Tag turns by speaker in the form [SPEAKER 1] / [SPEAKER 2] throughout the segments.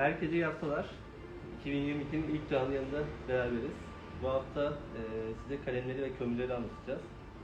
[SPEAKER 1] Herkese iyi haftalar. 2022'nin ilk canlı yayında beraberiz. Bu hafta size kalemleri ve kömürleri anlatacağız.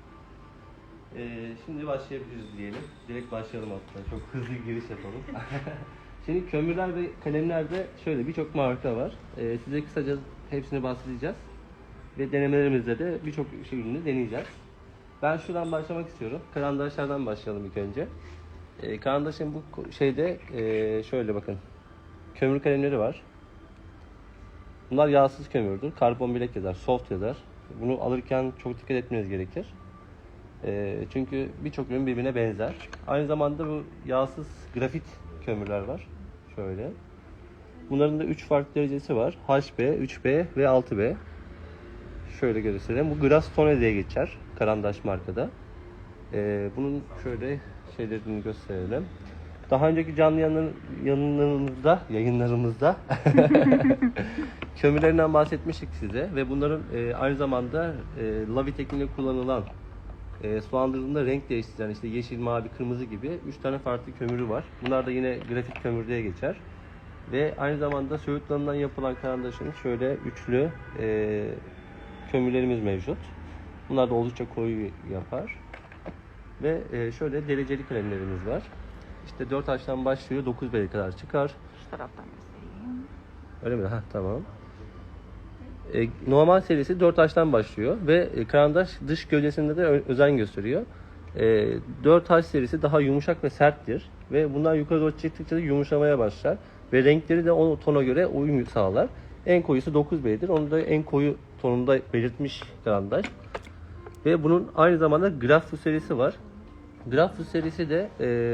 [SPEAKER 1] Şimdi başlayabiliriz diyelim. Direkt başlayalım hatta. Çok hızlı giriş yapalım. Şimdi kömürler ve kalemlerde şöyle birçok marka var. Size kısaca hepsini bahsedeceğiz. Ve denemelerimizde de birçok ürünü deneyeceğiz. Ben şuradan başlamak istiyorum. Karandaşlardan başlayalım ilk önce. Karandaşın bu şeyde şöyle bakın. Kömür kalemleri var. Bunlar yağsız kömürdür. Karbon bilek yazar, soft yazar. Bunu alırken çok dikkat etmeniz gerekir. Çünkü birçok ürün birbirine benzer. Aynı zamanda bu yağsız grafit kömürler var. Şöyle. Bunların da 3 farklı derecesi var. HB, 3B ve 6B. Şöyle göstereyim. Bu Grastone diye geçer. Karandaş markada. Bunun şöyle şeylerini gösterelim. Daha önceki canlı yayınlarımızda kömürlerinden bahsetmiştik size ve bunların aynı zamanda Lavi tekniğinde kullanılan sulandırıldığında renk değiştiren işte yeşil, mavi, kırmızı gibi 3 tane farklı kömürü var. Bunlar da yine grafit kömür diye geçer. Ve aynı zamanda söğütlarından yapılan karandaşın şöyle üçlü kömürlerimiz mevcut. Bunlar da oldukça koyu yapar. Ve şöyle dereceli kalemlerimiz var. İşte 4H'tan başlıyor, 9B'ye kadar çıkar.
[SPEAKER 2] Şu taraftan göstereyim.
[SPEAKER 1] Öyle mi? Ha, tamam. Normal serisi 4H'tan başlıyor ve karandaş dış gövdesinde de özen gösteriyor. 4H serisi daha yumuşak ve serttir ve bundan yukarı doğru çıktıkça da yumuşamaya başlar ve renkleri de o tona göre uyum sağlar. En koyusu 9B'dir. Onu da en koyu tonunda belirtmiş karandaş. Ve bunun aynı zamanda Grafus serisi var. Grafus serisi de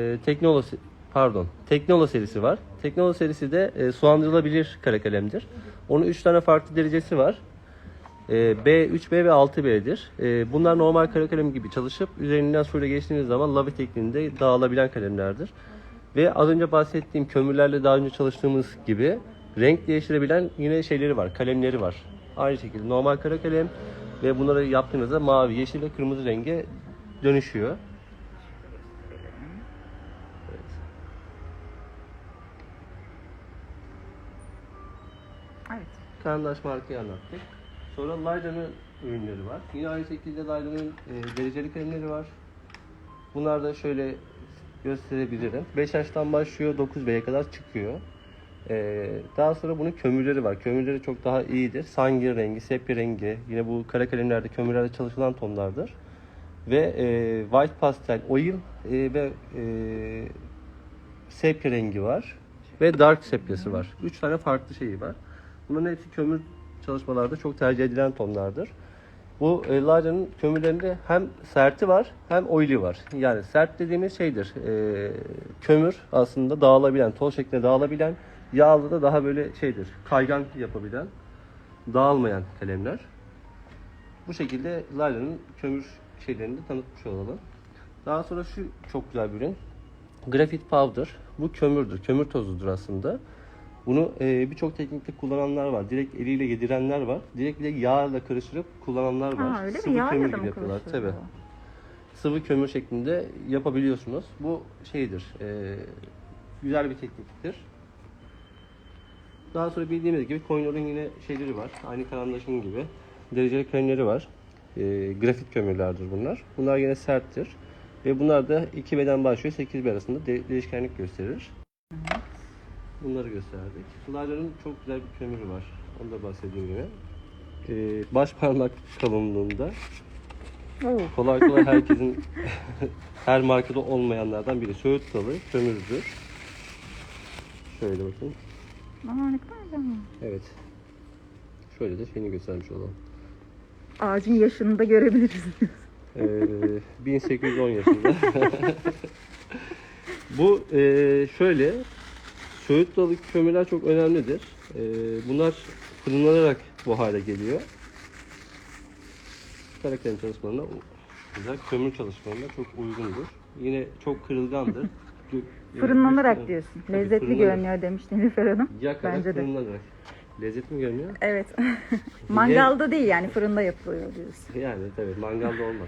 [SPEAKER 1] Teknolo serisi var. Teknolo serisi de sulandırılabilir kara kalemdir. Onun 3 tane farklı derecesi var. B, 3B ve 6B'dir. Bunlar normal kara kalem gibi çalışıp üzerinden suyla geçtiğiniz zaman Lavi tekniğinde dağılabilen kalemlerdir. Ve az önce bahsettiğim kömürlerle daha önce çalıştığımız gibi renk değiştirebilen yine şeyleri var, kalemleri var. Aynı şekilde normal kara kalem ve bunları yaptığınızda mavi, yeşil ve kırmızı renge dönüşüyor.
[SPEAKER 2] Evet.
[SPEAKER 1] Karandaş markayı anlattık. Sonra Layda'nın ürünleri var. Yine aynı şekilde Layda'nın dereceli kalemleri var. Bunlar da şöyle gösterebilirim. 5H'tan başlıyor, 9B'ye kadar çıkıyor. Daha sonra bunun kömürleri var. Kömürleri çok daha iyidir. Sangir rengi, sepya rengi, yine bu kara kalemlerde, kömürlerde çalışılan tonlardır. Ve white pastel, oil ve sepya rengi var. Ve dark sepyası var. 3 tane farklı şeyi var. Bunların hepsi kömür çalışmalarda çok tercih edilen tonlardır. Bu Layda'nın kömürlerinde hem serti var hem oili var. Yani sert dediğimiz şeydir. Kömür aslında dağılabilen, toz şeklinde dağılabilen, yağlı da daha böyle şeydir. Kaygan yapabilen, dağılmayan kalemler. Bu şekilde Layda'nın kömür şeylerini de tanıtmış olalım. Daha sonra şu çok güzel bir ürün. Graphite powder. Bu kömürdür. Kömür tozudur aslında. Bunu birçok teknikte kullananlar var. Direkt eliyle yedirenler var. Direkt bir de yağla karıştırıp kullananlar var.
[SPEAKER 2] Öyle
[SPEAKER 1] Sıvı
[SPEAKER 2] mi? Yağla
[SPEAKER 1] kömür
[SPEAKER 2] da
[SPEAKER 1] gibi
[SPEAKER 2] mı
[SPEAKER 1] yapıyorlar.
[SPEAKER 2] karıştırıyor?
[SPEAKER 1] Tabii. Sıvı kömür şeklinde yapabiliyorsunuz. Bu şeydir. Güzel bir tekniktir. Daha sonra bildiğimiz gibi Koynor'un yine şeyleri var. Aynı karandaşın gibi. Dereceli kalemleri var. Grafit kömürlerdir bunlar. Bunlar yine serttir. Ve bunlar da 2B'den başlıyor 8B arasında değişkenlik gösterir. Bunları gösterdik. Layda'nın çok güzel bir kömürü var. Onu da bahsedeyim yine. Baş parmak kalınlığında. Kolay kolay herkesin her markada olmayanlardan biri. Söğüt dalı kömürdür. Şöyle bakın.
[SPEAKER 2] Aa, ne kadar güzel.
[SPEAKER 1] Evet. Şöyle de şeyini göstermiş olalım.
[SPEAKER 2] Ağacın yaşını da görebiliriz.
[SPEAKER 1] 1810 yaşında. Bu şöyle, söğüt dalı kömürler çok önemlidir. Bunlar fırınlanarak bu hale geliyor. Kara kalem çalışmalarına, güzel kömür çalışmalarına çok uygundur. Yine çok kırılgandır.
[SPEAKER 2] Fırınlanarak diyorsun.
[SPEAKER 1] Tabii,
[SPEAKER 2] Lezzetli
[SPEAKER 1] fırınlanarak.
[SPEAKER 2] görünüyor demişti Nilüfer Hanım.
[SPEAKER 1] Yakarak
[SPEAKER 2] Bence de.
[SPEAKER 1] fırınlanarak. Lezzetli mi görünüyor?
[SPEAKER 2] Evet. Mangalda değil yani fırında yapılıyor diyorsun.
[SPEAKER 1] Yani tabii mangalda olmaz.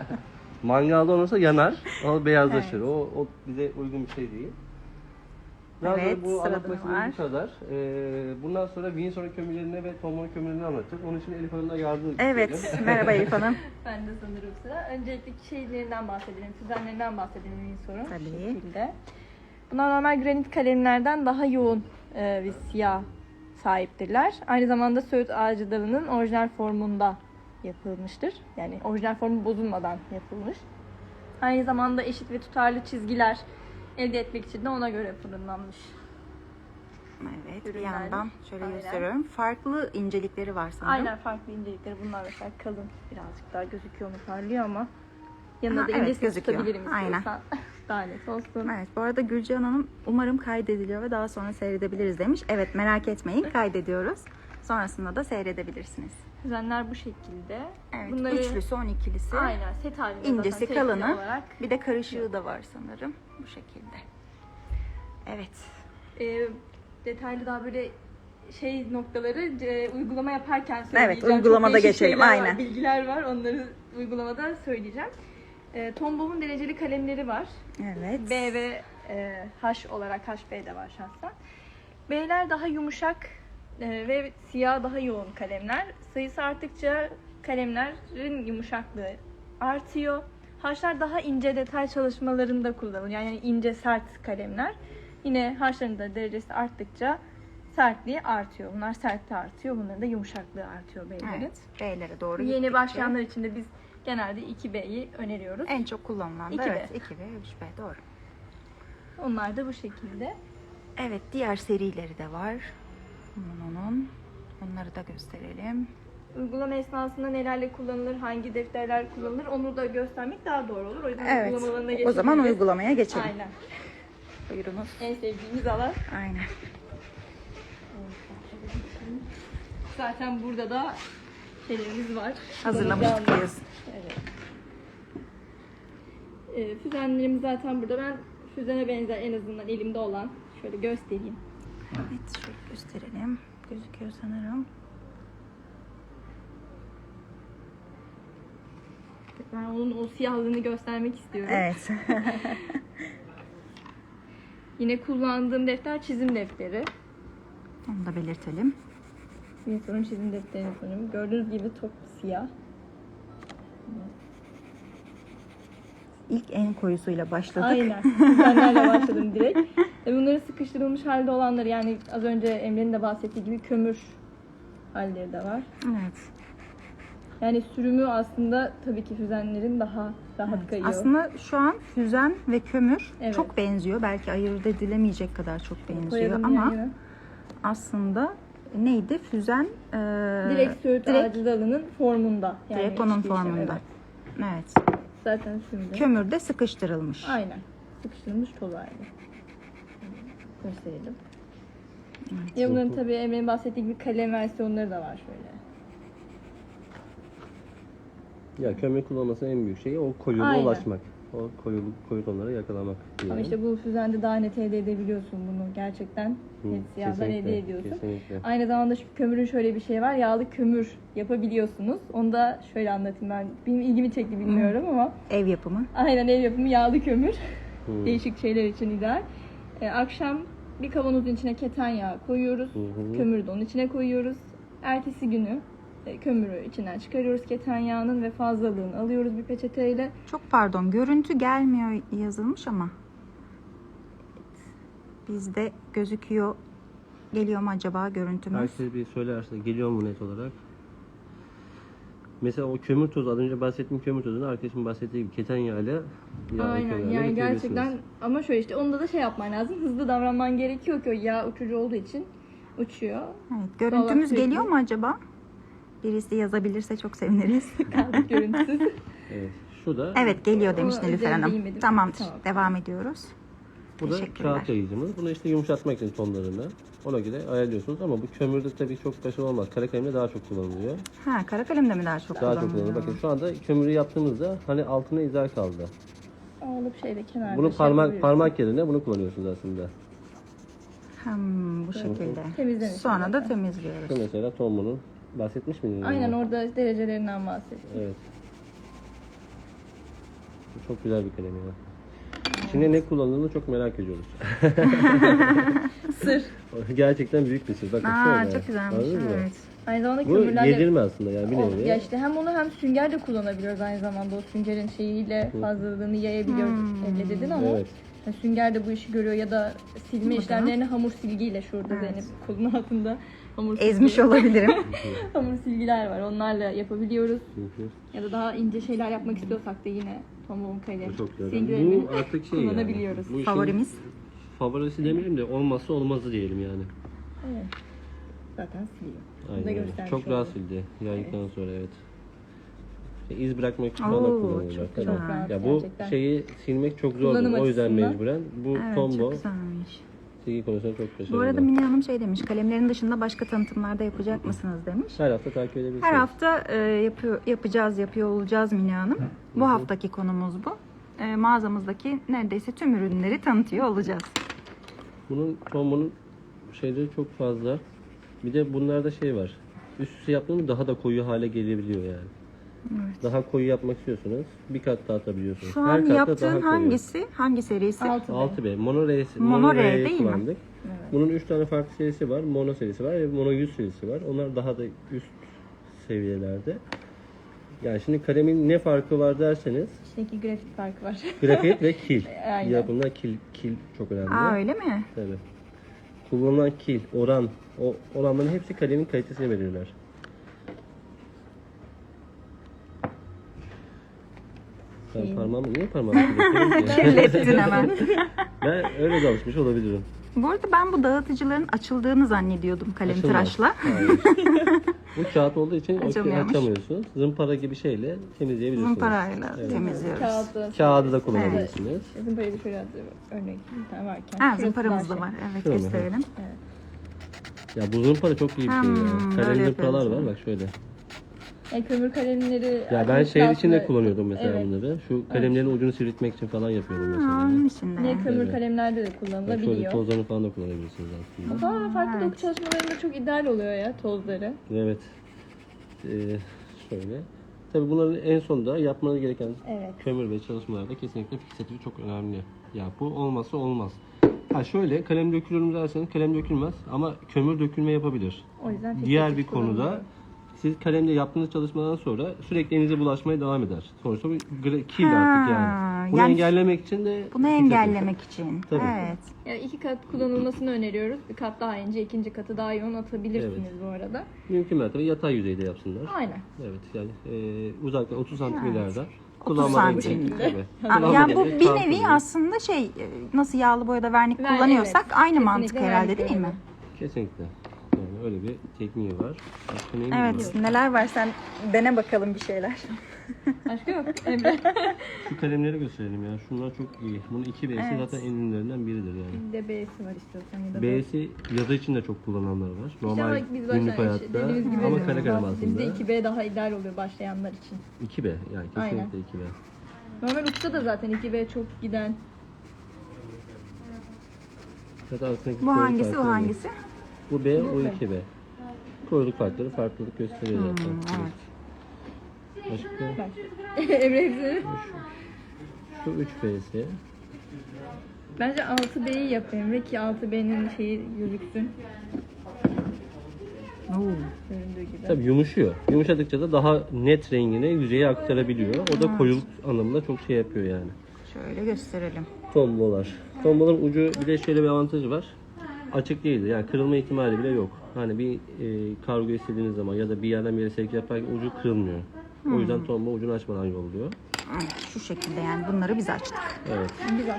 [SPEAKER 1] Mangalda olursa yanar ama beyazlaşır.
[SPEAKER 2] Evet.
[SPEAKER 1] O bize uygun bir şey değil. Daha
[SPEAKER 2] Evet,
[SPEAKER 1] sonra bu
[SPEAKER 2] sırada
[SPEAKER 1] anlatmak
[SPEAKER 2] ne var?
[SPEAKER 1] istediğim bu kadar. Bundan sonra Windsor kömürlerini ve Tombola kömürlerini anlatacağız. Onun için Elif Hanım'la yardım
[SPEAKER 2] Evet,
[SPEAKER 1] isteyelim.
[SPEAKER 2] merhaba Elif Hanım.
[SPEAKER 3] Ben de sanırım sıra. Öncelikle şeylerinden bahsedelim, füzenlerinden bahsedelim Windsor'un.
[SPEAKER 2] Tabii.
[SPEAKER 3] Şu şekilde. Bunlar normal granit kalemlerden daha yoğun bir siyah sahiptirler. Aynı zamanda Söğüt ağacı dalının orijinal formunda yapılmıştır. Yani orijinal formu bozulmadan yapılmış. Aynı zamanda eşit ve tutarlı çizgiler elde etmek için de ona göre fırınlanmış.
[SPEAKER 2] Evet, bir
[SPEAKER 3] Ürünler.
[SPEAKER 2] yandan şöyle
[SPEAKER 3] Aynen.
[SPEAKER 2] gösteriyorum. Farklı incelikleri var sanırım.
[SPEAKER 3] Aynen, farklı incelikleri. Bunlar mesela kalın, birazcık daha gözüküyor mu, parlıyor ama yanına
[SPEAKER 2] Aha,
[SPEAKER 3] da
[SPEAKER 2] evet,
[SPEAKER 3] incesini
[SPEAKER 2] gözüküyor.
[SPEAKER 3] tutabilirim
[SPEAKER 2] Aynen.
[SPEAKER 3] istiyorsan. Daha net olsun.
[SPEAKER 2] Evet, bu arada Gülcan Hanım umarım kaydediliyor ve daha sonra seyredebiliriz demiş. Evet, merak etmeyin, kaydediyoruz. Sonrasında da seyredebilirsiniz.
[SPEAKER 3] Füzenler bu şekilde.
[SPEAKER 2] Evet,
[SPEAKER 3] Bunları
[SPEAKER 2] üçlüsü, 12'lisi.
[SPEAKER 3] aynen set halinde
[SPEAKER 2] İncesi,
[SPEAKER 3] zaten tekli
[SPEAKER 2] kalını.
[SPEAKER 3] olarak.
[SPEAKER 2] Bir de karışığı da var sanırım. Bu şekilde. Evet.
[SPEAKER 3] Detaylı daha böyle şey noktaları uygulama yaparken söyleyeceğim.
[SPEAKER 2] Evet, uygulamada
[SPEAKER 3] Çok değişik
[SPEAKER 2] geçelim,
[SPEAKER 3] şeyler var,
[SPEAKER 2] aynen.
[SPEAKER 3] bilgiler var. Onları uygulamada söyleyeceğim. Tombow'un dereceli kalemleri var.
[SPEAKER 2] Evet.
[SPEAKER 3] B ve H olarak HB de var şahsen. B'ler daha yumuşak ve siyah daha yoğun kalemler. Sayısı arttıkça kalemlerin yumuşaklığı artıyor. H'lar daha ince detay çalışmalarında kullanılıyor. Yani ince sert kalemler. Yine H'ların da derecesi arttıkça sertliği artıyor. Bunlar sertliği artıyor. Bunların da yumuşaklığı artıyor B'lerin.
[SPEAKER 2] Evet. B'lere doğru
[SPEAKER 3] Yeni
[SPEAKER 2] gittikçe.
[SPEAKER 3] başlayanlar için de biz genelde 2B'yi öneriyoruz.
[SPEAKER 2] En çok kullanılan da
[SPEAKER 3] 2B.
[SPEAKER 2] evet 2B, 3B doğru.
[SPEAKER 3] Onlar da bu şekilde.
[SPEAKER 2] Evet, diğer serileri de var. Onun. Onları da gösterelim.
[SPEAKER 3] Uygulama esnasında nelerle kullanılır, hangi defterler kullanılır onu da göstermek daha doğru olur. O yüzden
[SPEAKER 2] Evet.
[SPEAKER 3] uygulamalarına
[SPEAKER 2] O zaman
[SPEAKER 3] geçebiliriz.
[SPEAKER 2] uygulamaya geçelim.
[SPEAKER 3] Aynen.
[SPEAKER 2] Buyurunuz.
[SPEAKER 3] En sevdiğimiz alan.
[SPEAKER 2] Aynen.
[SPEAKER 3] Zaten burada da şeylerimiz var.
[SPEAKER 2] Hazırlamıştık
[SPEAKER 3] Kullanacağımız.
[SPEAKER 2] yazın.
[SPEAKER 3] Evet. Füzenlerimiz zaten burada. Ben füzene benzer en azından elimde olan şöyle göstereyim.
[SPEAKER 2] Evet, şöyle gösterelim. Gözüküyor sanırım.
[SPEAKER 3] Ben onun o siyahlığını göstermek istiyorum.
[SPEAKER 2] Evet.
[SPEAKER 3] Yine kullandığım defter çizim defteri.
[SPEAKER 2] Onu da belirtelim.
[SPEAKER 3] Windsor'un çizim defterini sanırım. Gördüğünüz gibi top siyah.
[SPEAKER 2] İlk en koyusuyla başladık.
[SPEAKER 3] Aynen. Füzenlerle başladım direkt. Bunların sıkıştırılmış halde olanları, yani az önce Emre'nin de bahsettiği gibi kömür halleri de var.
[SPEAKER 2] Evet.
[SPEAKER 3] Yani sürümü aslında tabii ki füzenlerin daha rahat kayıyor.
[SPEAKER 2] Aslında şu an füzen ve kömür
[SPEAKER 3] Evet.
[SPEAKER 2] çok benziyor. Belki ayırt edilemeyecek kadar çok benziyor
[SPEAKER 3] Koyalım
[SPEAKER 2] ama
[SPEAKER 3] yani.
[SPEAKER 2] aslında neydi? Füzen
[SPEAKER 3] Direkt Söğüt ağacı dalının formunda. Yani
[SPEAKER 2] direkt onun
[SPEAKER 3] hiçbir işlem,
[SPEAKER 2] formunda.
[SPEAKER 3] evet.
[SPEAKER 2] Evet.
[SPEAKER 3] Zaten şimdi.
[SPEAKER 2] Kömür de sıkıştırılmış.
[SPEAKER 3] Aynen. Sıkıştırılmış toz halde. Gösterelim.
[SPEAKER 2] Evet.
[SPEAKER 3] Ya bunların tabii Emre'nin bahsettiği gibi kalem versiyonları da var şöyle.
[SPEAKER 1] Ya kömür kullanmasının en büyük şeyi o koyuluğa
[SPEAKER 3] Aynen.
[SPEAKER 1] ulaşmak. O koyu tonları yakalamak diye.
[SPEAKER 3] Ama işte bu füzende daha net elde edebiliyorsun bunu. Gerçekten net siyahdan
[SPEAKER 1] kesinlikle,
[SPEAKER 3] elde ediyorsun.
[SPEAKER 1] kesinlikle.
[SPEAKER 3] Aynı zamanda şu kömürün şöyle bir şey var. Yağlı kömür yapabiliyorsunuz. Onu da şöyle anlatayım ben. Benim ilgimi çekti bilmiyorum ama.
[SPEAKER 2] Ev yapımı.
[SPEAKER 3] Aynen, ev yapımı yağlı kömür.
[SPEAKER 1] Hı.
[SPEAKER 3] Değişik şeyler için ideal. Akşam bir kavanozun içine keten yağı koyuyoruz.
[SPEAKER 1] Hı hı.
[SPEAKER 3] Kömürü de onun içine koyuyoruz. Ertesi günü kömürü içinden çıkarıyoruz keten yağının ve fazlalığını alıyoruz bir peçeteyle.
[SPEAKER 2] Çok pardon, görüntü gelmiyor yazılmış ama bizde gözüküyor. Geliyor mu acaba görüntümüz?
[SPEAKER 1] Herkes bir söylerse geliyor mu net olarak? Mesela o kömür tozu, az önce bahsettiğim kömür tozunu arkadaşım bahsettiği gibi keten yağıyla
[SPEAKER 3] Aynen, yani gerçekten ama şöyle işte onda da şey yapman lazım. Hızlı davranman gerekiyor ki o yağ uçucu olduğu için uçuyor.
[SPEAKER 2] Evet, görüntümüz
[SPEAKER 3] sürekli-
[SPEAKER 2] geliyor mu acaba? Birisi yazabilirse çok seviniriz.
[SPEAKER 3] Kaldık görüntüsüz.
[SPEAKER 1] Evet. Şu da,
[SPEAKER 2] Evet, geliyor demiş
[SPEAKER 3] O
[SPEAKER 2] Nilüfer
[SPEAKER 3] üzerinde
[SPEAKER 2] Hanım.
[SPEAKER 3] yemedim.
[SPEAKER 2] Tamamdır.
[SPEAKER 3] Tamam.
[SPEAKER 2] Devam ediyoruz.
[SPEAKER 1] bu da
[SPEAKER 2] Teşekkürler.
[SPEAKER 1] kağıt yayıcımız. Bunu işte yumuşatmak için tonlarını. Ona göre ayarlıyorsunuz ama bu kömürde tabii çok başarılı olmaz. Kara kalemde daha çok kullanılıyor.
[SPEAKER 2] Ha, kara kalemde mi daha çok
[SPEAKER 1] Daha çok
[SPEAKER 2] kullanılıyor?
[SPEAKER 1] kullanılıyor. Bakın şu anda kömürü yaptığımızda hani altına izler kaldı.
[SPEAKER 3] Alıp şeyde kenarda
[SPEAKER 1] Bunu
[SPEAKER 3] şey
[SPEAKER 1] parmak
[SPEAKER 3] yapabiliyorsun.
[SPEAKER 1] parmak yerine bunu kullanıyorsunuz aslında.
[SPEAKER 2] Bu şekilde.
[SPEAKER 3] Temizlemiş
[SPEAKER 2] Sonra da
[SPEAKER 3] zaten.
[SPEAKER 2] temizliyoruz.
[SPEAKER 1] Şu mesela Tombo'nun bahsetmiş miydiniz?
[SPEAKER 3] Aynen, orada derecelerinden bahsettim.
[SPEAKER 1] Evet. Bu çok güzel bir kalem ya. İçinde ne kullanıldığını çok merak ediyoruz.
[SPEAKER 3] Sır.
[SPEAKER 1] Gerçekten büyük bir sır. Bakın
[SPEAKER 2] Aa,
[SPEAKER 1] şöyle.
[SPEAKER 2] çok güzelmiş.
[SPEAKER 1] Anladınız mı?
[SPEAKER 2] Evet.
[SPEAKER 3] Aynı zamanda
[SPEAKER 1] Bu
[SPEAKER 3] kömürlerle...
[SPEAKER 1] yedirme aslında yani bir nevi.
[SPEAKER 3] Ya işte hem onu hem sünger de kullanabiliyoruz aynı zamanda. O süngerin şeyiyle fazlalığını yayabiliyoruz. Elle dedin ama
[SPEAKER 1] Evet.
[SPEAKER 3] sünger de bu işi görüyor ya da silme
[SPEAKER 2] Burada.
[SPEAKER 3] işlemlerini hamur silgiyle şurada
[SPEAKER 2] Evet.
[SPEAKER 3] Zeynep kolunun altında hamur
[SPEAKER 2] Ezmiş
[SPEAKER 3] silgi-
[SPEAKER 2] olabilirim.
[SPEAKER 3] hamur silgiler var. Onlarla yapabiliyoruz.
[SPEAKER 1] Hı hı.
[SPEAKER 3] Ya da daha ince şeyler yapmak istiyorsak da yine pamuğun kale
[SPEAKER 1] Bu çok güzel.
[SPEAKER 3] silgilerini
[SPEAKER 1] Bu artık şey
[SPEAKER 3] kullanabiliyoruz.
[SPEAKER 1] yani. Bu işin
[SPEAKER 2] Favorimiz.
[SPEAKER 1] favorisi demeyelim de olmazsa olmazı diyelim yani.
[SPEAKER 3] Evet. Zaten siliyor. Bunu da
[SPEAKER 1] Aynen öyle.
[SPEAKER 3] göstermiş
[SPEAKER 1] Çok rahat
[SPEAKER 3] olduk.
[SPEAKER 1] sildi. Yaydıktan sonra evet. İz bırakmak için
[SPEAKER 2] Oo,
[SPEAKER 1] falan kullanılıyor.
[SPEAKER 2] çok
[SPEAKER 1] Tabii.
[SPEAKER 2] güzel.
[SPEAKER 3] Rahat
[SPEAKER 1] Ya bu
[SPEAKER 3] gerçekten.
[SPEAKER 1] şeyi silmek çok zor.
[SPEAKER 3] Kullanım
[SPEAKER 1] O yüzden
[SPEAKER 3] açısından.
[SPEAKER 1] mecburen. Bu
[SPEAKER 2] Evet,
[SPEAKER 1] combo
[SPEAKER 2] çok güzelmiş.
[SPEAKER 1] silgi konusunda çok başarılı.
[SPEAKER 2] Bu arada Mine Hanım şey demiş, kalemlerin dışında başka tanıtımlarda yapacak mısınız demiş.
[SPEAKER 1] her hafta takip edebilirsiniz.
[SPEAKER 2] Her hafta yapıyor olacağız Mine Hanım. Bu haftaki konumuz bu. Mağazamızdaki neredeyse tüm ürünleri tanıtıyor olacağız.
[SPEAKER 1] Bunun combonun şeyleri çok fazla. Bir de bunlarda şey var. Üst üste yaptığında daha da koyu hale gelebiliyor yani.
[SPEAKER 2] Evet.
[SPEAKER 1] Daha koyu yapmak istiyorsanız bir kat daha atabiliyorsunuz.
[SPEAKER 2] Şu
[SPEAKER 1] Her
[SPEAKER 2] an
[SPEAKER 1] katta
[SPEAKER 2] yaptığın
[SPEAKER 1] daha koyu.
[SPEAKER 2] hangisi? Hangi serisi?
[SPEAKER 3] 6B.
[SPEAKER 1] 6B. Mono R'si.
[SPEAKER 2] Mono R
[SPEAKER 1] R'yi
[SPEAKER 2] değil mi?
[SPEAKER 1] kullandık. Bunun 3 tane farklı serisi var. Mono serisi var ve Mono 100 serisi var. Onlar daha da üst seviyelerde. Yani şimdi kalemin ne farkı var derseniz
[SPEAKER 3] İçindeki grafik farkı var.
[SPEAKER 1] grafit ve kil.
[SPEAKER 3] Aynen.
[SPEAKER 1] Yapımda kil çok önemli.
[SPEAKER 2] Aa öyle mi?
[SPEAKER 1] Tabii. Kullanılan kil, oran, o oranların hepsi kalemin kalitesini belirler. Ben parmağımı niye parmağımı kirletiyorum ki?
[SPEAKER 2] Kirlettin hemen.
[SPEAKER 1] Ben öyle de alışmış olabilirim.
[SPEAKER 2] Bu arada ben bu dağıtıcıların açıldığını zannediyordum kalem
[SPEAKER 1] Açılmaz.
[SPEAKER 2] tıraşla.
[SPEAKER 1] Hayır. Bu kağıt olduğu için
[SPEAKER 2] Açılmıyormuş.
[SPEAKER 1] açamıyorsunuz. Zımpara gibi şeyle temizleyebilirsiniz.
[SPEAKER 2] Zımparayla temizliyoruz.
[SPEAKER 1] Kağıdı da kullanabilirsiniz.
[SPEAKER 3] Zımparayı da şöyle örnek bir tane varken.
[SPEAKER 2] Ha,
[SPEAKER 3] şurası
[SPEAKER 2] zımparamız
[SPEAKER 3] daha
[SPEAKER 2] da var. Evet,
[SPEAKER 1] Şöyle mi?
[SPEAKER 2] gösterelim.
[SPEAKER 1] Ya bu zımpara çok iyi bir şey ya.
[SPEAKER 2] böyle
[SPEAKER 1] Kalem zımparalar
[SPEAKER 2] yapıyoruz.
[SPEAKER 1] var bak şöyle.
[SPEAKER 3] Kömür kalemleri...
[SPEAKER 1] Ya ben şehir içinde
[SPEAKER 3] aslında-
[SPEAKER 1] kullanıyordum mesela
[SPEAKER 3] Evet.
[SPEAKER 1] bunları. Şu kalemlerin ucunu sivriltmek için falan yapıyordum
[SPEAKER 2] Ha,
[SPEAKER 1] mesela.
[SPEAKER 2] onun içinde.
[SPEAKER 3] Yine kömür
[SPEAKER 1] Evet.
[SPEAKER 3] kalemlerde de
[SPEAKER 1] Bak şöyle
[SPEAKER 3] kullanılabiliyor.
[SPEAKER 1] tozlarını falan da kullanabilirsiniz aslında.
[SPEAKER 3] Farklı
[SPEAKER 2] Evet.
[SPEAKER 3] doku çalışmalarında çok ideal oluyor ya tozları.
[SPEAKER 1] Evet. Şöyle. Tabii bunların en sonunda yapmanız gereken
[SPEAKER 3] Evet.
[SPEAKER 1] kömür ve çalışmalarda kesinlikle fiksatörü çok önemli. Ya bu olmazsa olmaz. Ha şöyle kalem dökülür mü derseniz kalem dökülmez ama kömür dökülme yapabilir.
[SPEAKER 3] O yüzden
[SPEAKER 1] Diğer
[SPEAKER 3] fiksatif
[SPEAKER 1] bir konuda
[SPEAKER 3] kullanılıyor.
[SPEAKER 1] siz kalemle yaptığınız çalışmadan sonra sürekli elinize bulaşmaya devam eder. Sonuçta bu kil
[SPEAKER 2] Ha,
[SPEAKER 1] artık yani. Bunu
[SPEAKER 2] yani
[SPEAKER 1] engellemek için de
[SPEAKER 2] Bunu
[SPEAKER 1] fiksatör.
[SPEAKER 2] engellemek için.
[SPEAKER 1] Tabii.
[SPEAKER 2] Evet.
[SPEAKER 3] Yani 2 kat kullanılmasını öneriyoruz. Bir kat daha ince, ikinci katı daha yoğun atabilirsiniz bu arada.
[SPEAKER 1] Mümkün mertebe yatay yüzeyde yapsınlar.
[SPEAKER 3] Aynen.
[SPEAKER 1] Evet yani uzaktan 30 santim ileride.
[SPEAKER 2] 30 santim.
[SPEAKER 1] Tabii.
[SPEAKER 2] Yani bu
[SPEAKER 1] Kullanmadan
[SPEAKER 2] bir
[SPEAKER 1] kalkın.
[SPEAKER 2] nevi aslında nasıl yağlı boyada vernik
[SPEAKER 3] Ver-
[SPEAKER 2] kullanıyorsak
[SPEAKER 3] evet.
[SPEAKER 2] aynı
[SPEAKER 3] Kesinlikle
[SPEAKER 2] mantık herhalde
[SPEAKER 3] vernik
[SPEAKER 2] değil mi?
[SPEAKER 3] görevi.
[SPEAKER 1] Kesinlikle. Yani öyle bir tekniği var. Başka neyin var?
[SPEAKER 2] Evet. Neler var sen dene bakalım bir şeyler.
[SPEAKER 3] Başka yok. Emre.
[SPEAKER 1] Şu kalemleri gösterelim ya. Şunlar çok iyi. Bunun 2B'si
[SPEAKER 2] Evet.
[SPEAKER 1] zaten en iyilerinden biridir yani.
[SPEAKER 3] Bir de B'si var istiyorsan ya da
[SPEAKER 1] B'si yazı için de çok kullananlar var.
[SPEAKER 3] İşte
[SPEAKER 1] Normal
[SPEAKER 3] ama biz
[SPEAKER 1] günlük
[SPEAKER 3] başta
[SPEAKER 1] hayatta
[SPEAKER 3] dediğimiz gibi
[SPEAKER 1] ama kare kalem
[SPEAKER 3] bahsettiğimizde
[SPEAKER 1] aslında.
[SPEAKER 3] 2B daha ideal oluyor başlayanlar için.
[SPEAKER 1] 2B yani
[SPEAKER 3] Aynen.
[SPEAKER 1] kesinlikle 2B.
[SPEAKER 3] Normal uçta da zaten 2B çok giden.
[SPEAKER 1] Zaten arasındaki
[SPEAKER 2] Bu
[SPEAKER 1] koyuluk
[SPEAKER 2] hangisi, o
[SPEAKER 1] farkları yok.
[SPEAKER 2] hangisi?
[SPEAKER 1] Bu B,
[SPEAKER 3] Bu
[SPEAKER 1] o
[SPEAKER 3] B.
[SPEAKER 1] 2B. Koyuluk farkları farklılık gösteriyor zaten.
[SPEAKER 2] Evet.
[SPEAKER 1] Başka
[SPEAKER 3] Bak. Emre hepsini.
[SPEAKER 1] şu 3B'si.
[SPEAKER 3] Bence 6B'yi yap Emre ki 6B'nin şeyi gözüksün. Göründüğü gibi.
[SPEAKER 1] Tabii yumuşuyor. Yumuşadıkça da daha net rengini yüzeye aktarabiliyor. O da koyuluk anlamında çok şey yapıyor yani.
[SPEAKER 2] Şöyle gösterelim.
[SPEAKER 1] Tombolar. Tomboların ucu bir de şöyle bir avantajı var. Açık değildir. Yani kırılma ihtimali bile yok. Hani bir kargo istediğiniz zaman ya da bir yerden bir yere sevk yaparken ucu kırılmıyor. O yüzden tomba ucunu açmadan yolluyor.
[SPEAKER 2] Evet, şu şekilde yani bunları biz açtık.
[SPEAKER 1] Evet.
[SPEAKER 3] Güzel.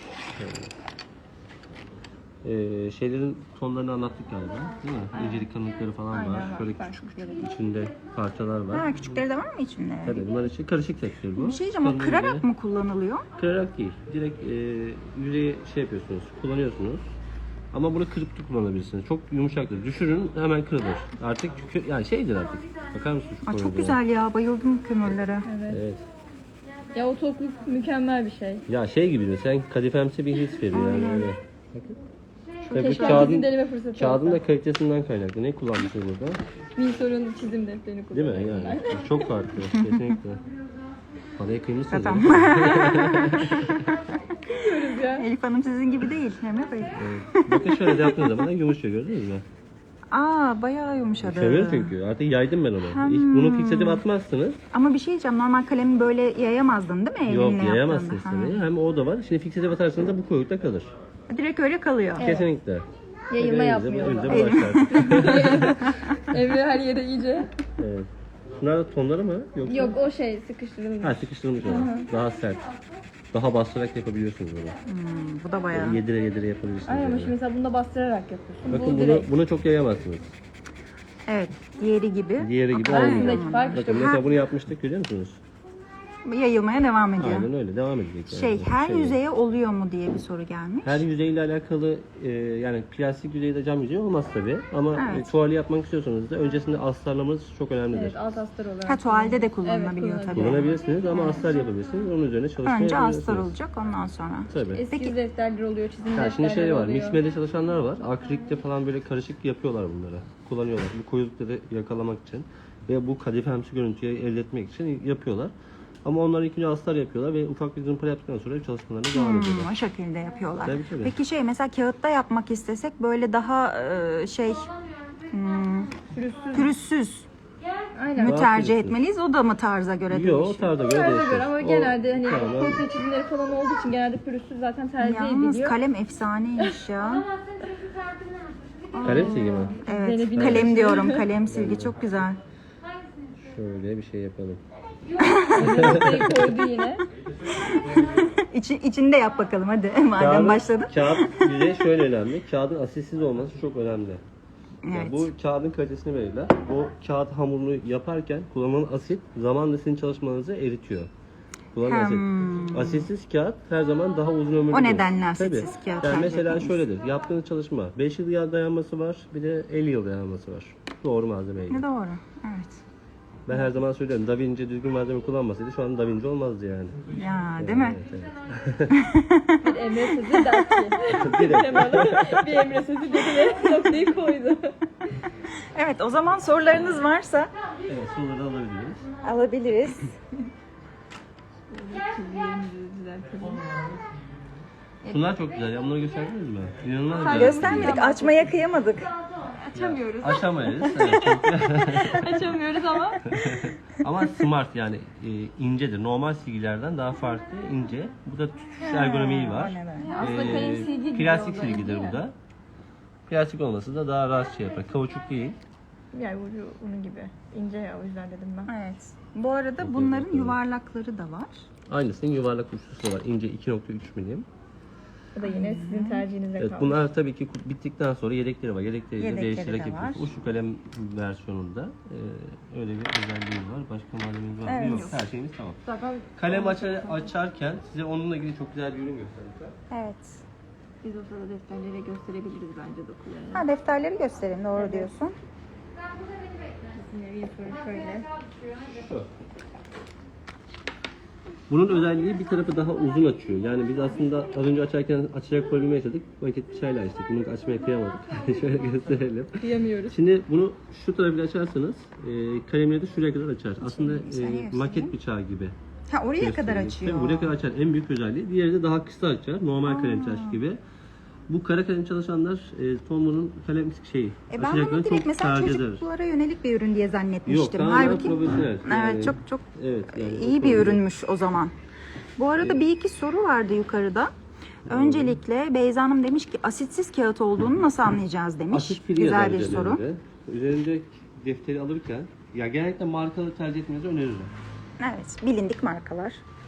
[SPEAKER 1] Şeylerin tonlarını anlattık galiba. Değil mi? İncelik kalınlıkları falan
[SPEAKER 3] Aynen
[SPEAKER 1] var.
[SPEAKER 3] var.
[SPEAKER 1] Şöyle
[SPEAKER 3] Farklı
[SPEAKER 1] küçük
[SPEAKER 3] şeyler.
[SPEAKER 1] küçük içinde parçalar var.
[SPEAKER 2] Ha, küçükleri de var mı içinde?
[SPEAKER 1] Tabii bunlar için karışık tekstil bu.
[SPEAKER 2] Bir şey diyeceğim, o
[SPEAKER 1] Kalın
[SPEAKER 2] kırarak
[SPEAKER 1] ince.
[SPEAKER 2] mı kullanılıyor?
[SPEAKER 1] Kırarak değil. Direkt yüzeyi şey yapıyorsunuz, kullanıyorsunuz. Ama bunu kırıp da kullanabilirsiniz. Çok yumuşaktır. Düşürün hemen kırılır. Artık yani şeydir artık. Bakar mısın şu
[SPEAKER 2] Aa, çok
[SPEAKER 1] koyuluğa?
[SPEAKER 2] güzel ya, bayıldım kömürlere.
[SPEAKER 3] Evet.
[SPEAKER 1] Evet.
[SPEAKER 3] Ya o tokluk mükemmel bir şey.
[SPEAKER 1] Ya şey gibi mi? Sen kadifemsi bir his veriyor yani öyle. Bakın. Tabii bu
[SPEAKER 3] Keşke
[SPEAKER 1] kağıdın,
[SPEAKER 3] bizim deneme fırsatı
[SPEAKER 1] kağıdın
[SPEAKER 3] olsa.
[SPEAKER 1] da kalitesinden kaynaklı. Ne kullanmışsınız burada?
[SPEAKER 3] Windsor'un çizim defterini
[SPEAKER 1] Değil
[SPEAKER 3] kullanıyorum
[SPEAKER 1] mi? Yani
[SPEAKER 3] ben.
[SPEAKER 1] çok farklı. Kesinlikle. Paraya kıymışsınız.
[SPEAKER 2] Tamam.
[SPEAKER 3] Diyoruz ya.
[SPEAKER 2] Elif Hanım sizin gibi değil Emre Bey.
[SPEAKER 1] Evet. Bakın şöyle de yaptığınız zaman yumuşuyor, gördünüz mü?
[SPEAKER 2] Aa bayağı yumuşadı.
[SPEAKER 1] Kömür çünkü. Artık yaydım ben onu. İlk bunu fixatif atmazsınız.
[SPEAKER 2] Ama bir şey diyeceğim, normal kalemi böyle yayamazdın değil mi elinle
[SPEAKER 1] Yok,
[SPEAKER 2] yaptığında?
[SPEAKER 1] yayamazsınız
[SPEAKER 2] Ha.
[SPEAKER 1] tabii. Hem o da var. Şimdi fixatif atarsanız da bu koyukta kalır.
[SPEAKER 2] Direkt öyle kalıyor.
[SPEAKER 1] Kesinlikle.
[SPEAKER 3] Yayılma
[SPEAKER 1] Bakın
[SPEAKER 3] yapmıyor.
[SPEAKER 1] elinizde
[SPEAKER 3] o zaman.
[SPEAKER 1] başlar.
[SPEAKER 3] Emre her yere iyice.
[SPEAKER 1] Evet. Bunlar da tonları mı? Yoksa?
[SPEAKER 3] Yok o şey sıkıştırılmış.
[SPEAKER 1] Ha, sıkıştırılmış olan. Daha sert. Daha bastırarak yapabiliyorsunuz bunu.
[SPEAKER 2] Bu da bayağı.
[SPEAKER 1] Yedire yedire yapabilirsiniz.
[SPEAKER 3] Aynen ama
[SPEAKER 1] yani.
[SPEAKER 3] şimdi mesela bunda bastırarak yapıyorsun.
[SPEAKER 1] Bakın
[SPEAKER 3] Bu direkt.
[SPEAKER 1] bunu çok yayamazsınız.
[SPEAKER 2] Evet, diğeri gibi.
[SPEAKER 1] Diğeri gibi
[SPEAKER 2] Aynen.
[SPEAKER 1] olmuyor.
[SPEAKER 3] Arasındaki fark işte
[SPEAKER 1] Bakın
[SPEAKER 3] bu.
[SPEAKER 1] mesela bunu yapmıştık, görüyor musunuz?
[SPEAKER 2] Yayılmaya devam ediyor.
[SPEAKER 1] Aynen öyle, devam edecek. Yani.
[SPEAKER 2] Şey, her
[SPEAKER 1] Şey,
[SPEAKER 2] yüzeye oluyor mu diye bir soru gelmiş.
[SPEAKER 1] her yüzeyle alakalı yani plastik yüzeyde cam yüzeyi olmaz tabii. Ama
[SPEAKER 2] Evet.
[SPEAKER 1] tuvali yapmak istiyorsanız da öncesinde astarlamanız çok önemlidir.
[SPEAKER 3] Evet alt astar olarak.
[SPEAKER 2] Ha, tuvalde de kullanılabiliyor
[SPEAKER 3] Evet,
[SPEAKER 2] tabii.
[SPEAKER 1] Kullanabilirsiniz ama astar yapabilirsiniz. Onun üzerine çalışma
[SPEAKER 2] Önce
[SPEAKER 1] yapabilirsiniz.
[SPEAKER 2] astar olacak, ondan sonra.
[SPEAKER 1] Tabii.
[SPEAKER 3] Eski defterler oluyor, çizim
[SPEAKER 1] Ya
[SPEAKER 3] defterler
[SPEAKER 1] şimdi şey var,
[SPEAKER 3] oluyor.
[SPEAKER 1] mixmede çalışanlar var. Akrilikte falan böyle karışık yapıyorlar bunları. Kullanıyorlar. Bu koyulukları yakalamak için ve bu kadifemsi görüntüyü elde etmek için yapıyorlar. Ama onlar ilk önce astar yapıyorlar ve ufak bir zımpara yaptıktan sonra çalışmalarına devam ediyorlar.
[SPEAKER 2] O şekilde yapıyorlar.
[SPEAKER 1] Tabii, tabii.
[SPEAKER 2] Peki şey, mesela kağıtta yapmak istesek böyle daha pürüzsüz
[SPEAKER 3] Aynen.
[SPEAKER 2] mü
[SPEAKER 1] Daha
[SPEAKER 2] tercih
[SPEAKER 1] pürüzsüz.
[SPEAKER 2] etmeliyiz? O da mı tarza göre
[SPEAKER 1] Yok, o
[SPEAKER 2] değişiyor?
[SPEAKER 1] tarza göre
[SPEAKER 3] Tarza
[SPEAKER 1] değişir.
[SPEAKER 3] göre ama
[SPEAKER 1] O
[SPEAKER 3] genelde hani
[SPEAKER 1] tamamen-
[SPEAKER 3] portre çizimleri falan olduğu için genelde pürüzsüz zaten tercih
[SPEAKER 2] Yalnız
[SPEAKER 3] ediliyor.
[SPEAKER 2] kalem efsaneymiş ya.
[SPEAKER 1] Kalem silgi mi?
[SPEAKER 2] Evet,
[SPEAKER 3] Zeynep'in
[SPEAKER 2] kalem diyorum, kalem silgi çok güzel.
[SPEAKER 1] Şöyle bir şey yapalım.
[SPEAKER 3] Ortaya koydu yine.
[SPEAKER 2] İçinde yap bakalım hadi madem başladın.
[SPEAKER 1] Kağıt yüzey şöyle önemli. Kağıdın asitsiz olması çok önemli. Yani
[SPEAKER 2] Evet.
[SPEAKER 1] bu kağıdın kalitesini verirler. O kağıt hamurunu yaparken kullanılan asit zamanla sizin çalışmanızı eritiyor. Kullanılan asit. Asitsiz kağıt her zaman daha uzun ömürlü.
[SPEAKER 2] O
[SPEAKER 1] olur.
[SPEAKER 2] nedenle asitsiz
[SPEAKER 1] Tabii.
[SPEAKER 2] kağıt
[SPEAKER 1] Yani
[SPEAKER 2] tercih
[SPEAKER 1] mesela
[SPEAKER 2] etmeliyiz.
[SPEAKER 1] şöyledir. Yaptığınız çalışma 5 yıl dayanması var, bir de 50 yıl dayanması var. Doğru malzemeyle.
[SPEAKER 2] Ne doğru. Evet.
[SPEAKER 1] Ben her zaman söylüyorum, Da Vinci düzgün malzeme kullanmasaydı şu an Da Vinci olmazdı yani.
[SPEAKER 2] Ya değil mi?
[SPEAKER 1] Evet, evet.
[SPEAKER 3] Bir Emre sözü der ki.
[SPEAKER 1] Direkt.
[SPEAKER 3] Bir Emre sözü dedi ve noktayı koydu.
[SPEAKER 2] Evet, o zaman sorularınız varsa
[SPEAKER 1] Evet, soruları alabiliriz.
[SPEAKER 2] alabiliriz.
[SPEAKER 1] Şunlar çok güzel ya, bunları gösterdiniz mi? İnanılmaz güzel.
[SPEAKER 2] Göstermedik, açmaya kıyamadık.
[SPEAKER 3] Açamıyoruz.
[SPEAKER 1] Aşamayız. Evet, çok güzel.
[SPEAKER 3] Açamıyoruz ama.
[SPEAKER 1] Ama smart yani incedir. Normal silgilerden daha farklı, ince. Bu da tutuş ergonomiği var.
[SPEAKER 3] Aslında kalem silgi gibi
[SPEAKER 1] Plastik
[SPEAKER 3] oldu,
[SPEAKER 1] silgidir
[SPEAKER 3] değil
[SPEAKER 1] bu
[SPEAKER 3] mi?
[SPEAKER 1] da. Plastik olması da daha rahat şey yapar. Kauçuk değil.
[SPEAKER 3] Yani ucu bunun gibi. İnce ya o yüzden dedim ben.
[SPEAKER 2] Evet. Bu arada bunların yuvarlakları da var.
[SPEAKER 1] Aynısının yuvarlak uçlusu da var. İnce 2.3 milim.
[SPEAKER 3] Bu da yine sizin tercihinize
[SPEAKER 1] Evet,
[SPEAKER 3] kalmış.
[SPEAKER 1] bunlar tabii ki bittikten sonra yedekleri var. Yedekleriyle
[SPEAKER 2] Yedekleri
[SPEAKER 1] değiştirerek
[SPEAKER 2] de var.
[SPEAKER 1] yapıyoruz. Uçlu kalem versiyonunda öyle bir özelliği var. Başka malzememiz var mı?
[SPEAKER 2] Evet.
[SPEAKER 1] Yok. Her şeyimiz tamam.
[SPEAKER 3] Zaten
[SPEAKER 1] Kalem açarken size onunla ilgili çok güzel bir ürün göstereceğim.
[SPEAKER 2] Evet.
[SPEAKER 3] biz o sırada defterlere gösterebiliriz bence dokularını.
[SPEAKER 2] Ha, defterleri gösterelim, doğru diyorsun.
[SPEAKER 3] Nevi şöyle.
[SPEAKER 1] Şu. Bunun özelliği bir tarafı daha uzun açıyor. Yani biz aslında az önce açarken açacak problemi yaşadık. Paket bıçağıyla açtık. Bunu açmaya kıyamadık. Şöyle gösterelim.
[SPEAKER 3] Kıyamıyoruz.
[SPEAKER 1] Şimdi bunu şu tarafıyla açarsanız kalemleri de şuraya kadar açar. Aslında
[SPEAKER 2] göstereyim.
[SPEAKER 1] maket bıçağı gibi.
[SPEAKER 2] Ha, oraya kadar
[SPEAKER 1] gösteriyor.
[SPEAKER 2] açıyor.
[SPEAKER 1] Tabii buraya kadar açar. En büyük özelliği. Diğeri de daha kısa açar. Normal kalem taş gibi. Bu kara kalem çalışanlar Tombo'nun kalem şeyi.
[SPEAKER 2] Ben
[SPEAKER 1] açacaklarını
[SPEAKER 2] bunu direkt mesela
[SPEAKER 1] tercih eder.
[SPEAKER 2] çocuklara yönelik bir ürün diye
[SPEAKER 1] Yok,
[SPEAKER 2] zannetmiştim.
[SPEAKER 1] tamamen
[SPEAKER 2] Halbuki
[SPEAKER 1] profesyonel. Yani,
[SPEAKER 2] evet, çok
[SPEAKER 1] evet, yani
[SPEAKER 2] iyi
[SPEAKER 1] o
[SPEAKER 2] bir
[SPEAKER 1] konuda-
[SPEAKER 2] ürünmüş o zaman. Bu arada bir iki soru vardı yukarıda. Öncelikle Beyza Hanım demiş ki asitsiz kağıt olduğunu nasıl anlayacağız demiş.
[SPEAKER 1] Asit free
[SPEAKER 2] Güzel
[SPEAKER 1] yazar
[SPEAKER 2] bir soru.
[SPEAKER 1] üzerinde. Üzerinde defteri alırken ya genellikle markalı tercih etmenizi öneririm.
[SPEAKER 2] Evet, bilindik markalar.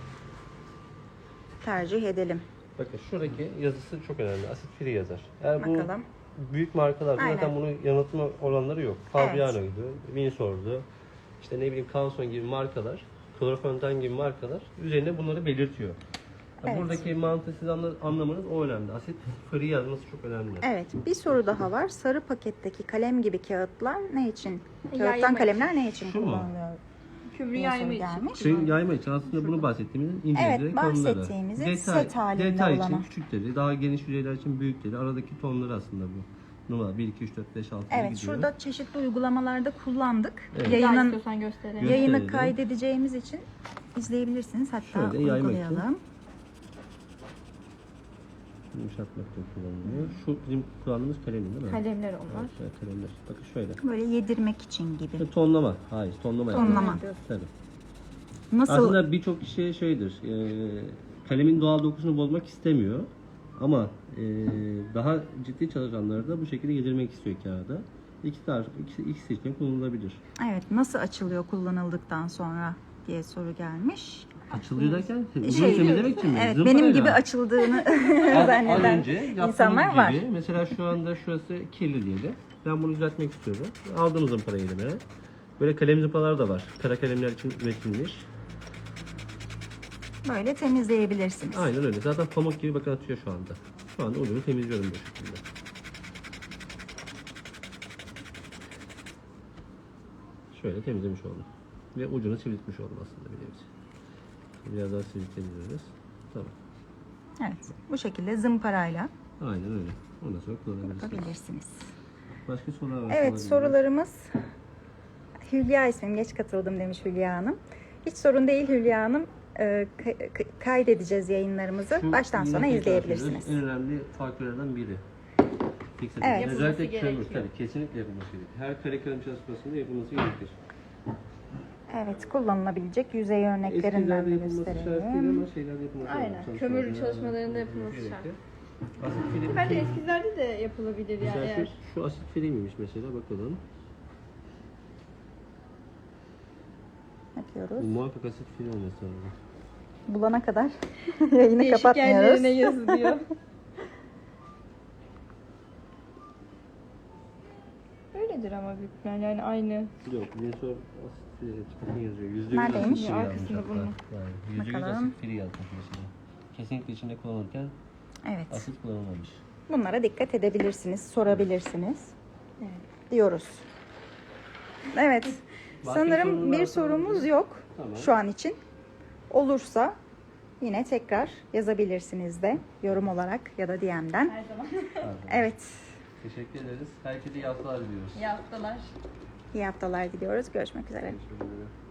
[SPEAKER 2] Tercih edelim.
[SPEAKER 1] Bakın şuradaki yazısı çok önemli. Asit free yazar. Eğer bu
[SPEAKER 2] Bakalım.
[SPEAKER 1] büyük markalarda
[SPEAKER 2] Aynen.
[SPEAKER 1] zaten bunun yanıltma oranları yok. Fabriano gibi, Winsor'du, işte ne bileyim Canson gibi markalar, Colofontaine gibi markalar üzerine bunları belirtiyor. Ya
[SPEAKER 2] Evet.
[SPEAKER 1] buradaki mantığı siz anlamanız o önemli. Asit free yazması çok önemli.
[SPEAKER 2] Evet, bir soru daha var. Sarı paketteki kalem gibi kağıtlar ne için?
[SPEAKER 3] Yayma
[SPEAKER 2] Kağıttan
[SPEAKER 3] için.
[SPEAKER 2] kalemler ne için
[SPEAKER 1] Şu mu?
[SPEAKER 2] kullanılıyor?
[SPEAKER 3] Kübrü
[SPEAKER 2] diye
[SPEAKER 3] yayma
[SPEAKER 2] soru
[SPEAKER 3] için.
[SPEAKER 2] gelmiş.
[SPEAKER 1] Şey yayma için aslında bunu bahsettiğimizin incelikleri
[SPEAKER 2] Evet,
[SPEAKER 1] konuları.
[SPEAKER 2] bahsettiğimizin set halinde
[SPEAKER 1] detay
[SPEAKER 2] olanı.
[SPEAKER 1] için küçükleri, daha geniş yüzeyler için büyükleri, aradaki tonları aslında bu. numara 1, 2, 3, 4, 5, 6
[SPEAKER 2] Evet,
[SPEAKER 1] gidiyor.
[SPEAKER 2] şurada çeşitli uygulamalarda kullandık.
[SPEAKER 1] Evet.
[SPEAKER 3] Daha
[SPEAKER 2] Yayının
[SPEAKER 3] istiyorsan gösterelim.
[SPEAKER 1] Yayın-
[SPEAKER 2] yayını
[SPEAKER 1] Gösterelim.
[SPEAKER 2] kaydedeceğimiz için izleyebilirsiniz. Hatta
[SPEAKER 1] Şöyle yaymak için.
[SPEAKER 2] uygulayalım.
[SPEAKER 1] Yumuşatmak için kullanılıyor. Şu bizim kullandığımız kalem değil mi?
[SPEAKER 3] Kalemler onlar.
[SPEAKER 1] Evet, evet, kalemler. Bakın şöyle.
[SPEAKER 2] Böyle yedirmek için gibi.
[SPEAKER 1] Tonlama. Hayır, tonlama.
[SPEAKER 2] Tonlama.
[SPEAKER 1] yapıyoruz. Tabii.
[SPEAKER 2] Nasıl?
[SPEAKER 1] Aslında birçok kişi şeydir. Kalemin doğal dokusunu bozmak istemiyor. Ama daha ciddi çalışanları da bu şekilde yedirmek istiyor kağıda. İki seçenek kullanılabilir.
[SPEAKER 2] Evet, nasıl açılıyor kullanıldıktan sonra diye soru gelmiş.
[SPEAKER 1] Açılıyor derken uzun
[SPEAKER 2] Şey,
[SPEAKER 1] temizlemek için mi?
[SPEAKER 2] Evet,
[SPEAKER 1] Zımparayla.
[SPEAKER 2] benim gibi açıldığını
[SPEAKER 1] Az
[SPEAKER 2] zanneden
[SPEAKER 1] önce yaptığımız
[SPEAKER 2] insanlar
[SPEAKER 1] gibi,
[SPEAKER 2] var.
[SPEAKER 1] mesela şu anda şurası kirli diyelim. Ben bunu düzeltmek istiyorum. Aldım zımparayı elime. Böyle kalem zımpalar da var. Kara kalemler için üretilmiş.
[SPEAKER 2] Böyle temizleyebilirsiniz.
[SPEAKER 1] Aynen öyle. Zaten pamuk gibi bakın atıyor şu anda. Şu anda ucunu temizliyorum bu şekilde. Şöyle temizlemiş oldum. Ve ucunu sivriltmiş oldum aslında bir nevi. Biraz daha sivriltebiliriz. Tamam.
[SPEAKER 2] Evet, bu şekilde zımparayla
[SPEAKER 1] Aynen öyle. Ondan sonra kullanabilirsiniz.
[SPEAKER 2] yapabilirsiniz.
[SPEAKER 1] Başka sorular var.
[SPEAKER 2] Evet, sorularımız. Hülya ismim, geç katıldım demiş Hülya Hanım. Hiç sorun değil Hülya Hanım. Kaydedeceğiz yayınlarımızı.
[SPEAKER 1] Şu
[SPEAKER 2] Baştan
[SPEAKER 1] yine
[SPEAKER 2] sona
[SPEAKER 1] tekrar
[SPEAKER 2] izleyebilirsiniz.
[SPEAKER 1] söylüyoruz, En önemli faktörlerden biri.
[SPEAKER 2] Evet.
[SPEAKER 1] Özellikle
[SPEAKER 3] Yapılması
[SPEAKER 1] kömür
[SPEAKER 3] gerekiyor.
[SPEAKER 1] tabii kesinlikle yapılması gerekiyor. Her kare kalem çalışmasında yapılması gerekir.
[SPEAKER 2] Evet, kullanılabilecek yüzey örneklerinden
[SPEAKER 1] Eskilerde
[SPEAKER 2] de
[SPEAKER 1] yapılması şart değil
[SPEAKER 2] gösterelim.
[SPEAKER 1] ama şeylerde yapılması
[SPEAKER 3] Aynen.
[SPEAKER 1] lazım.
[SPEAKER 3] Kömür
[SPEAKER 1] Çalışmalarda
[SPEAKER 3] çalışmalarında yapılması
[SPEAKER 1] gerekir.
[SPEAKER 3] şart.
[SPEAKER 1] Asit film.
[SPEAKER 3] Bence eskilerde de yapılabilir yani
[SPEAKER 1] Mesela
[SPEAKER 3] eğer.
[SPEAKER 1] şu asit film miymiş mesela bakalım.
[SPEAKER 2] Yapıyoruz.
[SPEAKER 1] Bu muhakkak asit film olması lazım.
[SPEAKER 2] Bulana kadar yayını
[SPEAKER 3] Değişik
[SPEAKER 2] kapatmıyoruz.
[SPEAKER 3] yerlerine yazılıyor. Öyledir ama büyük ihtimalle yani aynı.
[SPEAKER 1] Yok, Winsor asit film çıkartın yazıyor. %100
[SPEAKER 2] Neredeymiş?
[SPEAKER 1] asit film
[SPEAKER 3] Arkasında
[SPEAKER 1] yazmış
[SPEAKER 3] bunun.
[SPEAKER 1] hatta. Yani %100
[SPEAKER 2] Bakalım.
[SPEAKER 1] asit film yazmış mesela. Kesinlikle içinde kullanırken
[SPEAKER 2] Evet.
[SPEAKER 1] asit kullanılmamış.
[SPEAKER 2] Bunlara dikkat edebilirsiniz, sorabilirsiniz. Diyoruz. Evet.
[SPEAKER 1] Başka
[SPEAKER 2] Sanırım
[SPEAKER 1] sorunuz
[SPEAKER 2] bir
[SPEAKER 1] varsa
[SPEAKER 2] sorumuz
[SPEAKER 1] alabiliriz.
[SPEAKER 2] yok
[SPEAKER 1] Tamam.
[SPEAKER 2] şu an için. Olursa yine tekrar yazabilirsiniz de yorum olarak ya da DM'den.
[SPEAKER 3] Her zaman.
[SPEAKER 1] Pardon.
[SPEAKER 2] Evet.
[SPEAKER 1] Teşekkür ederiz. Herkese iyi haftalar diliyoruz.
[SPEAKER 3] İyi haftalar.
[SPEAKER 2] İyi haftalar diliyoruz. Görüşmek üzere.
[SPEAKER 1] Görüşmek üzere.